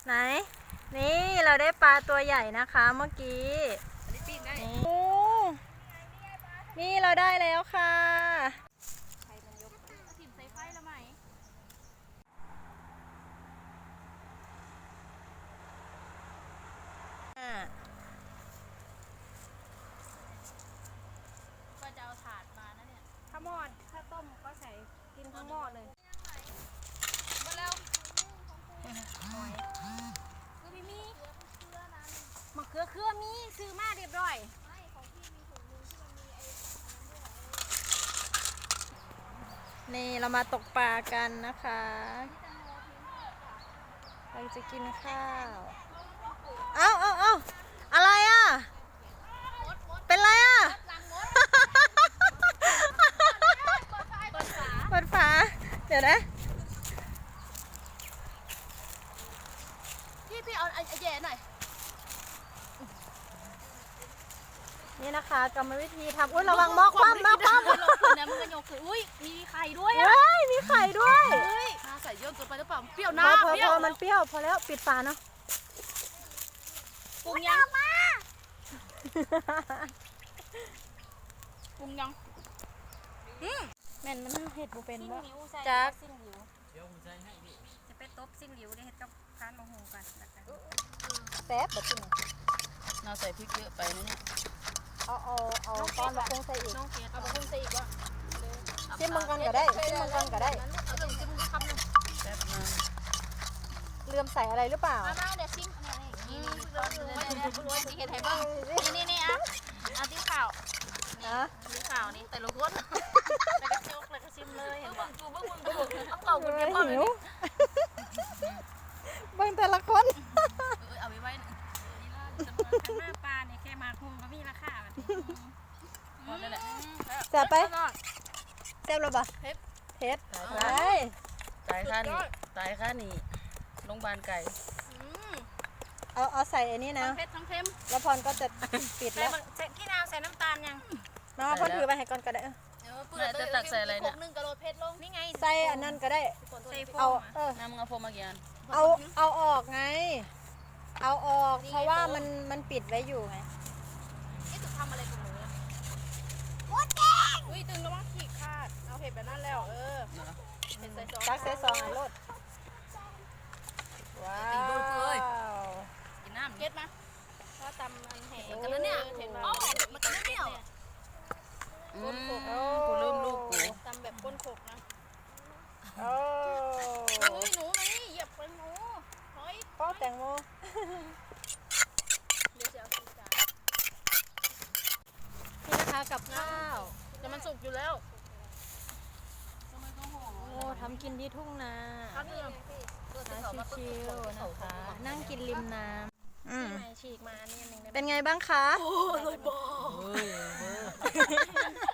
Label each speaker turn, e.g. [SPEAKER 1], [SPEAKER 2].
[SPEAKER 1] ไหนนี่เราได้ปลาตัวใหญ่นะคะเมื่อกี้นี่เราได้แล้วค่ะ
[SPEAKER 2] ก็จะเอาถาดมานะเนี่ยถ้าหม้อถ้าต้มก็ใส่กินทั้งหม้อเลยมาเร็วคือมีมะเขือเครือมีซื้อมาเรียบร้อย
[SPEAKER 1] นี่เรามาตกปลากันนะคะเราจะกินข้าวเอาอะไรอ่ะเป็นไรอ่ะเปิดฝาเดี๋ยวนะ
[SPEAKER 2] พี่เอาไอ้แย่หน่อย
[SPEAKER 1] นี่นะคะกรรมวิธีทำอุ้ยระวังหม้อคว่ำหม้อคว่ำ
[SPEAKER 2] เนี่ยมันก็โยกคืออุ้ยมีไข่ด้วยอ่ะ
[SPEAKER 1] มีไข่ด้วย
[SPEAKER 2] น่าใส่เยอะเกินไปหรือเปล่าเปรี้ยวนะ
[SPEAKER 1] พอมันเปรี้ยวพอแล้วปิดฝาเนาะ
[SPEAKER 2] ปรุงยังปรุงยัง
[SPEAKER 1] แม่นมันเห็ดบุเป็นว่า
[SPEAKER 2] จัก
[SPEAKER 1] จะไปตบซิ่งหลิวได้เห็ดกับพานมะฮูกันแซ่บแบบนี้
[SPEAKER 2] เราใส่พริกเยอะไปนะเนี่ย
[SPEAKER 1] เอาตอนมะฮูใส่อีก
[SPEAKER 2] เอามะฮูใส่อีกวะ
[SPEAKER 1] ชิมมังกันก็ได้ชิมมังกันก็ได้
[SPEAKER 2] เอาเรื่องชิมคำหนึ่งแซ่บมาก
[SPEAKER 1] เลื่อมใส่อะไรหรือเปล่า
[SPEAKER 2] มาเดี๋ยวชิมนี่เห็ดไทยบ้างนี่อ่ะเอาที่ข่าวที่ข่าวนี่แต่ละคนแล้วก็จกแล้วก็ชิมเลยเห็นป่ะดูเบิ้งต้องเป่าคุณยังหิว
[SPEAKER 1] เบิ้งแต่ละคน
[SPEAKER 2] เอาไว้หน้าปลาเนี่ยแค่มาคุ้มก็มีราคาแบบนั่นแหละ
[SPEAKER 1] แซ่บไปแซ่บหรือเปล่าเผ็ดไป
[SPEAKER 2] ตายค่านี่โรงพยาบาลไก่
[SPEAKER 1] เอาใส่อันนี้นะ
[SPEAKER 2] เผ็ดทั้งเค็ม
[SPEAKER 1] แล้วพรก็จะปิดแล้ว
[SPEAKER 2] พี่นาวใส่น้ำตาลยัง
[SPEAKER 1] มาพรถือไปให้ก่อนก็ได้
[SPEAKER 2] จะตักใส่อะไรเนี่ย1 กะโลเผ็ดลงนี่ไง
[SPEAKER 1] ใส่อันนั้นก็ได้
[SPEAKER 2] เอาน้ำกระโฟมมากี่อัน
[SPEAKER 1] เอาออกไงเอาออกเพราะว่ามันปิดไว้อยู่ไง
[SPEAKER 2] นี่ถูกทำอะไรกับหนูอุ้ยตึงแล้วมั้งขีดขาดเอาเห็ดแบบนั้นแล้วเห็ดใส่ซอง
[SPEAKER 1] ตักใส่ซองอันรถว้าว
[SPEAKER 2] กินน้ำเก็ตมาเพราะตำมันแห้งกันแล้วเนี่ยเห็นไหมมันกันแล้วเนี่ยก้นโขกกูลืมลูกกูตำแบบก้นโขกนะ
[SPEAKER 1] โอ้
[SPEAKER 2] ยหนูนี่เหยียบไปหนูเฮ้ย
[SPEAKER 1] ป้อแตงโม
[SPEAKER 2] เดี๋ยวจะเอาจาน
[SPEAKER 1] นี่นะคะกับข้าว
[SPEAKER 2] แต่มันสุกอยู่แล้ว
[SPEAKER 1] โอ้ทำกินที่ทุ่งนาชิวๆนะคะนั่งกินริมน้ำ
[SPEAKER 2] ฉีกมานี่นึง
[SPEAKER 1] เป็นไงบ้างคะ
[SPEAKER 2] โอ้ยบอ